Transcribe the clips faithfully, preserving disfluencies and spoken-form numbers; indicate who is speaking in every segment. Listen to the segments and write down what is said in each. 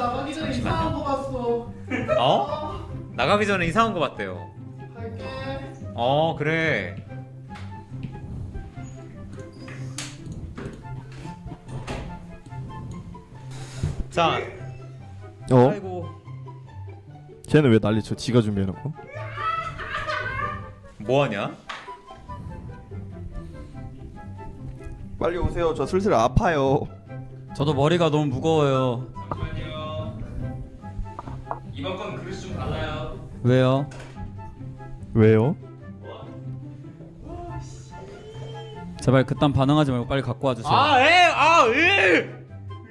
Speaker 1: 나가기 전에 이상한 거 봤어.
Speaker 2: 어? 나가기 전에 이상한 거 봤대요.
Speaker 1: 갈게.
Speaker 2: 어 그래. 자.
Speaker 3: 어?
Speaker 2: 아이고.
Speaker 3: 쟤는 왜 난리쳐? 지가 준비해놓고.
Speaker 2: 뭐하냐?
Speaker 3: 빨리 오세요. 저 슬슬 아파요.
Speaker 4: 저도 머리가 너무 무거워요.
Speaker 5: 잠시만요. 이번 건 그릇이 좀 달라요.
Speaker 4: 왜요?
Speaker 3: 왜요?
Speaker 4: 제발 그딴 반응하지 말고 빨리 갖고 와주세요.
Speaker 2: 아, 에, 아, 으.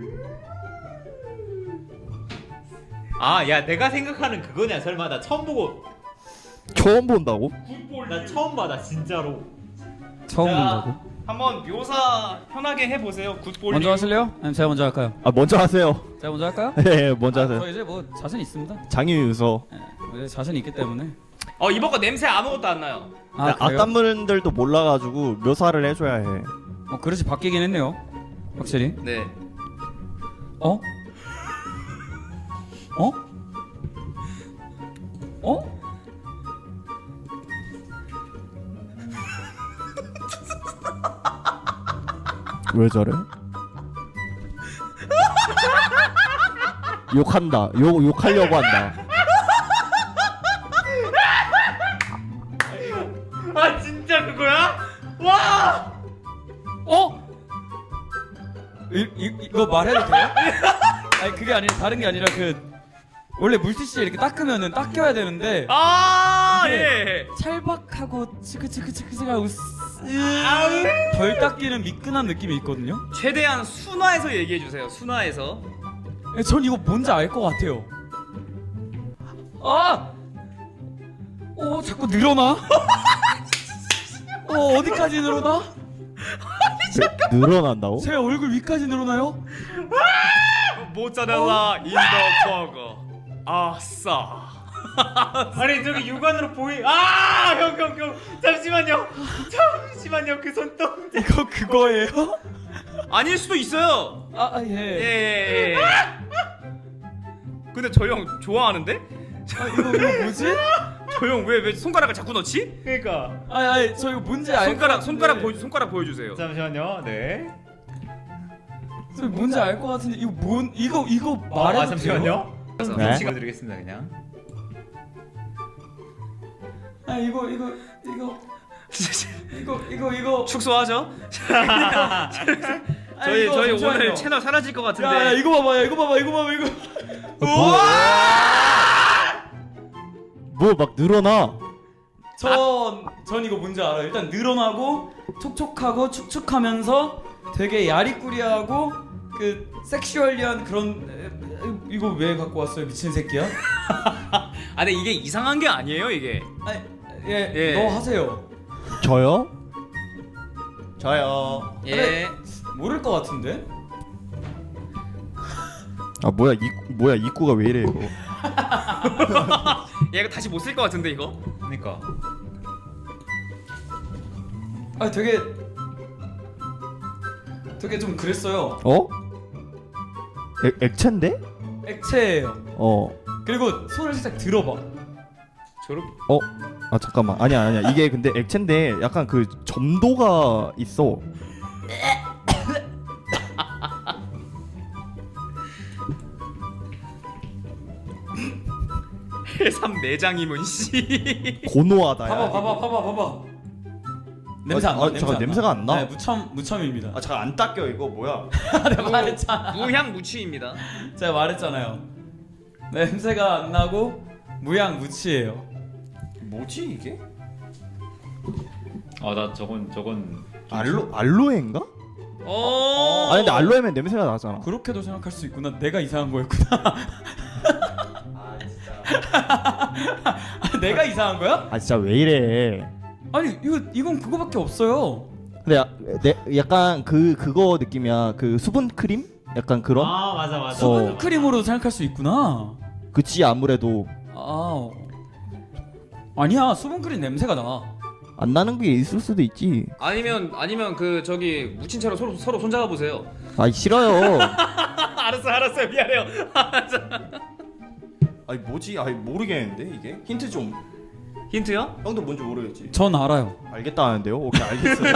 Speaker 2: 아, 야, 내가 생각하는 그거냐? 설마 나 처음 보고,
Speaker 3: 처음 본다고?
Speaker 2: 나 처음 봐, 나 진짜로.
Speaker 4: 처음
Speaker 5: 자,
Speaker 4: 본다고?
Speaker 5: 한번 묘사 편하게 해보세요. 굿볼링.
Speaker 4: 먼저 하실래요? 아니면 제가 먼저 할까요?
Speaker 3: 아 먼저 하세요.
Speaker 4: 제가 먼저 할까요?
Speaker 3: 예, 먼저
Speaker 4: 아,
Speaker 3: 하세요.
Speaker 4: 저 이제 뭐 자신 있습니다.
Speaker 3: 장유유서.
Speaker 4: 예, 이제 자신 있기 때문에.
Speaker 5: 어 이번 거 냄새 아무것도 안 나요.
Speaker 4: 아 그래요?
Speaker 3: 악단분들도 몰라가지고 묘사를 해줘야 해.
Speaker 4: 어 그릇이 바뀌긴 했네요. 확실히.
Speaker 5: 네.
Speaker 4: 어? 어? 어?
Speaker 3: 왜 저래? 욕한다. 욕 욕하려고 한다.
Speaker 2: 아, 진짜 그거야? 와!
Speaker 4: 어? 이, 이, 이거 말해도 돼요? 아니 그게 아니라 다른 게 아니라 그 원래 물티슈에 이렇게 닦으면은 닦여야 되는데
Speaker 5: 아
Speaker 4: 이게
Speaker 5: 예.
Speaker 4: 찰박하고 치크치크치크치크하고 덜 닦이는 미끈한 느낌이 있거든요.
Speaker 5: 최대한 순화해서 얘기해 주세요. 순화해서.
Speaker 4: 예, 전 이거 뭔지 알 것 같아요. 아! 어 자꾸 늘어나? 어 어디까지 늘어나?
Speaker 3: 느- 늘어난다고?
Speaker 4: 제 얼굴 위까지 늘어나요?
Speaker 5: 모짜렐라 인더 버거. 아싸.
Speaker 2: 아니, 저기 육안으로 보이, 아! 형, 형, 형. 잠시만요. 잠시만요. 그 손동.
Speaker 4: 이거 그거예요?
Speaker 5: 아닐 수도 있어요.
Speaker 4: 아
Speaker 5: 예.
Speaker 4: 예.
Speaker 5: 예, 예. 근데 저 형 좋아하는데?
Speaker 4: 아 이거 이거 뭐지?
Speaker 5: 저 형 왜 왜 손가락을 자꾸 넣지?
Speaker 2: 그러니까.
Speaker 4: 아니 아니 저 이거 뭔지 알
Speaker 5: 손가락
Speaker 4: 것
Speaker 5: 손가락
Speaker 4: 같은데.
Speaker 5: 보여 손가락 보여주세요.
Speaker 2: 잠시만요. 네.
Speaker 4: 저 뭔지 알 것 같은데 이거 뭔 이거 이거 말해도
Speaker 2: 아, 잠시만요.
Speaker 3: 네.
Speaker 2: 위치가 드리겠습니다, 그냥.
Speaker 4: 아 이거 이거 이거 이거 이거 이거
Speaker 5: 축소하죠.
Speaker 4: 아,
Speaker 5: 저희
Speaker 4: 이거
Speaker 5: 저희
Speaker 4: 잠시만요.
Speaker 5: 오늘 채널 사라질 것 같은데.
Speaker 4: 야, 야 이거 봐봐 야 이거 봐봐 이거 봐봐 이거
Speaker 3: 뭐 막 늘어나?
Speaker 4: 전, 전 이거 뭔지 알아요. 일단 늘어나고 촉촉하고 축축하면서 되게 야리꾸리하고 그 섹슈얼리한 그런 에, 에, 이거 왜 갖고 왔어요 미친 새끼야?
Speaker 5: 아 근데 이게 이상한 게 아니에요 이게.
Speaker 4: 아니 예,
Speaker 5: 예.
Speaker 4: 너 하세요.
Speaker 3: 저요? 저요.
Speaker 5: 예.
Speaker 4: 모를 것 같은데?
Speaker 3: 아 뭐야 이 뭐야 입구가 왜 이래 이거?
Speaker 5: 얘 이거 다시 못 쓸 것 같은데 이거.
Speaker 2: 그러니까.
Speaker 4: 아 되게 되게 좀 그랬어요.
Speaker 3: 어? 액 액체인데?
Speaker 4: 액체예요.
Speaker 3: 어.
Speaker 4: 그리고 손을 살짝 들어봐.
Speaker 5: 저렇게.
Speaker 3: 어? 아 잠깐만. 아니야 아니야. 이게 근데 액체인데 약간 그 점도가 있어.
Speaker 5: 해삼 내장이면 씨.
Speaker 3: 고노하다.
Speaker 4: 봐봐 봐봐 봐봐 봐봐. 냄새 안 나.
Speaker 3: 아,
Speaker 4: 냄새
Speaker 3: 잠깐,
Speaker 4: 안
Speaker 3: 냄새가 안 나?
Speaker 4: 네, 무첨 무첨입니다.
Speaker 3: 아 잠깐 안 닦여 이거 뭐야?
Speaker 4: 내가 말했잖아.
Speaker 5: 무향무취입니다.
Speaker 4: 제가 말했잖아요. 냄새가 안 나고 무향무취예요.
Speaker 3: 뭐지 이게?
Speaker 2: 아, 나 저건, 저건.
Speaker 3: 알로 알로에인가?
Speaker 5: 어.
Speaker 3: 아니 근데 알로에면 냄새가 나잖아.
Speaker 4: 그렇게도 생각할 수 있구나. 내가 이상한 거였구나.
Speaker 3: 아 진짜.
Speaker 4: 아, 내가 이상한 거야?
Speaker 3: 아 진짜 왜 이래?
Speaker 4: 아니 이거 이건 그거밖에 없어요.
Speaker 3: 근데 야, 내, 약간 그 그거 느낌이야. 그 수분 크림? 약간 그런?
Speaker 2: 아, 맞아, 맞아.
Speaker 4: 수분
Speaker 3: 어.
Speaker 4: 크림으로 생각할 수 있구나.
Speaker 3: 그치 아무래도
Speaker 4: 아 아니야 수분 크림 냄새가 나.
Speaker 3: 안 나는 게 있을 수도 있지.
Speaker 5: 아니면 아니면 그 저기 묻힌 채로 서로 서로 손잡아 보세요.
Speaker 3: 아 싫어요.
Speaker 5: 안 알았어 알았어 미안해요.
Speaker 3: 아니 뭐지? 아니 모르겠는데 이게 힌트 좀.
Speaker 5: 힌트요?
Speaker 3: 형도 뭔지 모르겠지.
Speaker 4: 전 알아요.
Speaker 3: 알겠다는데요? 오케이 알겠어요.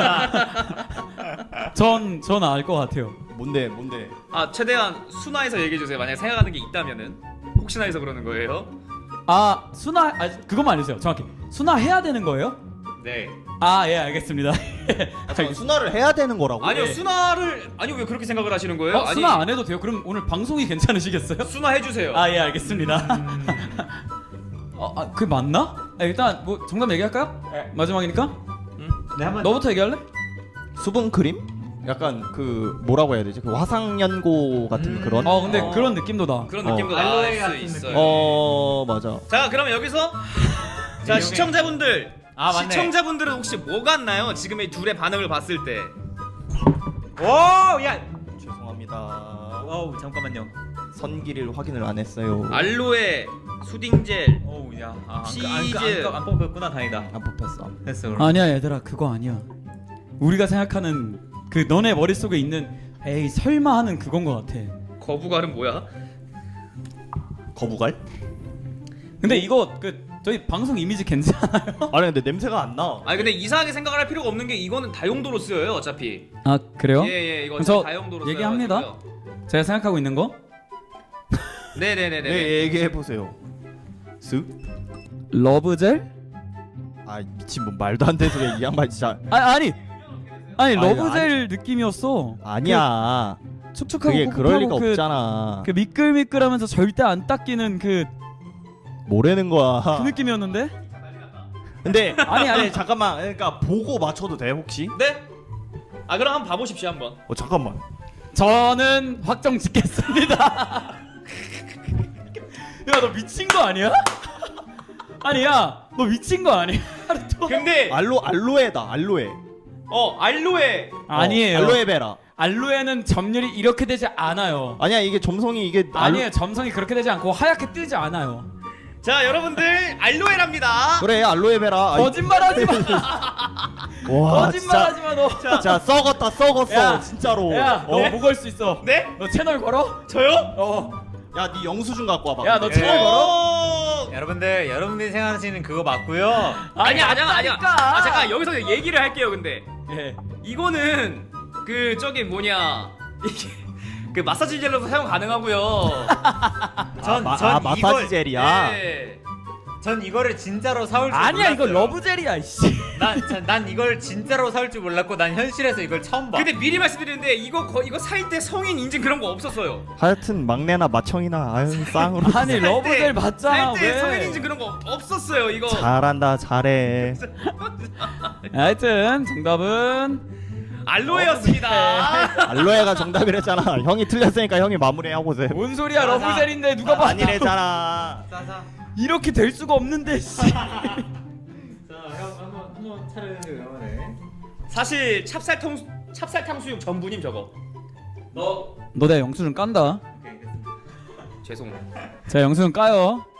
Speaker 4: 전 전 알 것 같아요.
Speaker 3: 뭔데 뭔데?
Speaker 5: 아 최대한 순화해서 얘기해 주세요. 만약 생각하는 게 있다면은 혹시나 해서 그러는 거예요.
Speaker 4: 아 순화 아 그것만 알려주세요. 정확히 순화 해야 되는 거예요?
Speaker 5: 네.
Speaker 4: 아 예 알겠습니다.
Speaker 3: 아, 잠깐, 순화를 해야 되는 거라고?
Speaker 5: 아니요
Speaker 4: 네.
Speaker 5: 순화를 아니 왜 그렇게 생각을 하시는 거예요?
Speaker 4: 어,
Speaker 5: 아니
Speaker 4: 순화 안 해도 돼요? 그럼 오늘 방송이 괜찮으시겠어요?
Speaker 5: 순화해 주세요.
Speaker 4: 아 예 알겠습니다. 어, 아, 그게 맞나? 아, 일단 뭐 정답 얘기할까요?
Speaker 2: 네.
Speaker 4: 마지막이니까.
Speaker 2: 네 한번.
Speaker 4: 너부터 얘기할래?
Speaker 3: 수분 크림? 약간 그 뭐라고 해야 되지? 그 화상연고 같은
Speaker 2: 음.
Speaker 3: 그런?
Speaker 4: 어 근데
Speaker 5: 어.
Speaker 4: 그런 느낌도 나.
Speaker 5: 그런
Speaker 3: 어.
Speaker 5: 느낌도
Speaker 2: 알로에
Speaker 5: 날 수
Speaker 2: 같은
Speaker 5: 있어요.
Speaker 3: 어 맞아.
Speaker 5: 자 그러면 여기서 자 시청자분들
Speaker 2: 아, 맞네.
Speaker 5: 시청자분들은 혹시 뭐 같나요? 지금 이 둘의 반응을 봤을 때.
Speaker 2: 오, 야.
Speaker 3: 죄송합니다.
Speaker 2: 어우 잠깐만요.
Speaker 3: 선기를 확인을 안 했어요.
Speaker 5: 알로에, 수딩젤,
Speaker 2: 어우 야. 아, 안,
Speaker 5: 치즈.
Speaker 2: 안, 안, 안 뽑혔구나 다행이다.
Speaker 3: 안 뽑혔어.
Speaker 2: 됐어. 그럼.
Speaker 4: 아니야 얘들아 그거 아니야. 우리가 생각하는 그 너네 머릿속에 있는 에이 설마 하는 그건 것 같아.
Speaker 5: 거부갈은 뭐야?
Speaker 3: 거부갈?
Speaker 4: 근데 이거 그 저희 방송 이미지 괜찮아요?
Speaker 3: 아니 근데 냄새가 안 나.
Speaker 5: 아니 근데 이상하게 생각을 할 필요가 없는 게 이거는 다용도로 쓰여요 어차피.
Speaker 4: 아 그래요?
Speaker 5: 예예 이거
Speaker 4: 그럼 저
Speaker 5: 어차피 다용도로
Speaker 4: 얘기합니다.
Speaker 5: 써요.
Speaker 4: 제가 생각하고 있는 거
Speaker 5: 네네네네.
Speaker 3: 네 얘기해 보세요. 쓱?
Speaker 4: 러브젤?
Speaker 3: 아 미친 뭐 말도 안 되는 소리야 이 양반 진짜.
Speaker 4: 아 아니 아니
Speaker 3: 아니,
Speaker 4: 러브젤 느낌이었어.
Speaker 3: 아니야.
Speaker 4: 그 축축하고
Speaker 3: 그게 그럴 리가
Speaker 4: 꿉꿉하고 그,
Speaker 3: 없잖아.
Speaker 4: 그 미끌미끌하면서 절대 안 닦이는 그,
Speaker 3: 뭐라는 거야.
Speaker 4: 그 느낌이었는데?
Speaker 3: 근데
Speaker 4: 아니, 아니.
Speaker 3: 네, 잠깐만. 그러니까 보고 맞춰도 돼 혹시?
Speaker 5: 네? 아 그럼 한번 봐보십시오 한번.
Speaker 3: 어 잠깐만.
Speaker 4: 저는 확정 짓겠습니다. 야 너 미친 거 아니야? 아니야 너 미친 거 아니야? 또.
Speaker 5: 근데
Speaker 3: 알로 알로에다 알로에.
Speaker 5: 어 알로에
Speaker 4: 아니에요.
Speaker 3: 어, 알로에베라.
Speaker 4: 알로에는 점률이 이렇게 되지 않아요.
Speaker 3: 아니야 이게 점성이 이게
Speaker 4: 아니에요 점성이 그렇게 되지 않고 하얗게 뜨지 않아요.
Speaker 5: 자 여러분들 알로에랍니다.
Speaker 3: 그래 알로에베라. 아이,
Speaker 4: 거짓말하지 마.
Speaker 3: 와
Speaker 4: 거짓말하지 마 너.
Speaker 3: 진짜. 자 썩었다 썩었어
Speaker 4: 야,
Speaker 3: 진짜로.
Speaker 4: 야, 너
Speaker 3: 어?
Speaker 4: 뭐 걸 수 있어?
Speaker 5: 네?
Speaker 4: 너 채널 걸어?
Speaker 5: 저요?
Speaker 4: 어.
Speaker 3: 야, 네 영수증 갖고 와봐.
Speaker 4: 야, 너
Speaker 3: 근데.
Speaker 4: 채널 걸어?
Speaker 5: 오!
Speaker 2: 여러분들 여러분들이 생각하시는 그거 맞고요.
Speaker 5: 아니야 아니야 아니야.
Speaker 4: 맞다니까.
Speaker 5: 아 잠깐 여기서 얘기를 할게요. 근데
Speaker 4: 예.
Speaker 5: 이거는 그 저기 뭐냐 이게 그 마사지 젤로도 사용 가능하고요.
Speaker 2: 전,
Speaker 3: 마-
Speaker 2: 전
Speaker 3: 아, 마사지
Speaker 2: 이걸,
Speaker 3: 젤이야.
Speaker 5: 네.
Speaker 2: 전 이거를 진짜로 사올 줄
Speaker 4: 아니야
Speaker 2: 몰랐어요.
Speaker 4: 이거 러브젤이야 이씨.
Speaker 2: 난, 전- 난 이걸 진짜로 사올 줄 몰랐고 난 현실에서 이걸 처음 봐.
Speaker 5: 근데 미리 말씀드리는데 이거 거, 이거 살 때 성인 인증 그런 거 없었어요.
Speaker 3: 하여튼 막내나 마청이나 아유 쌍으로.
Speaker 4: 아니 러브젤 맞잖아
Speaker 5: 살 때
Speaker 4: 왜?
Speaker 5: 성인 인증 그런 거 없었어요. 이거.
Speaker 3: 잘한다 잘해.
Speaker 4: 하여튼 정답은
Speaker 5: 알로에였습니다.
Speaker 3: 알로에가 정답이랬잖아. 형이 틀렸으니까 형이 마무리하고 보세요.
Speaker 4: 뭔 소리야
Speaker 2: 자,
Speaker 4: 러브젤인데 누가 봐?
Speaker 3: 아니래잖아.
Speaker 2: 자자.
Speaker 4: 이렇게 될 수가 없는데 씨.
Speaker 2: 자, 형 한번 한번 차례를 네.
Speaker 5: 사실 찹쌀통 찹쌀 탕수육 전부님 저거. 너
Speaker 4: 너 내가 영수증 깐다.
Speaker 5: 죄송.
Speaker 4: 자 영수증 까요.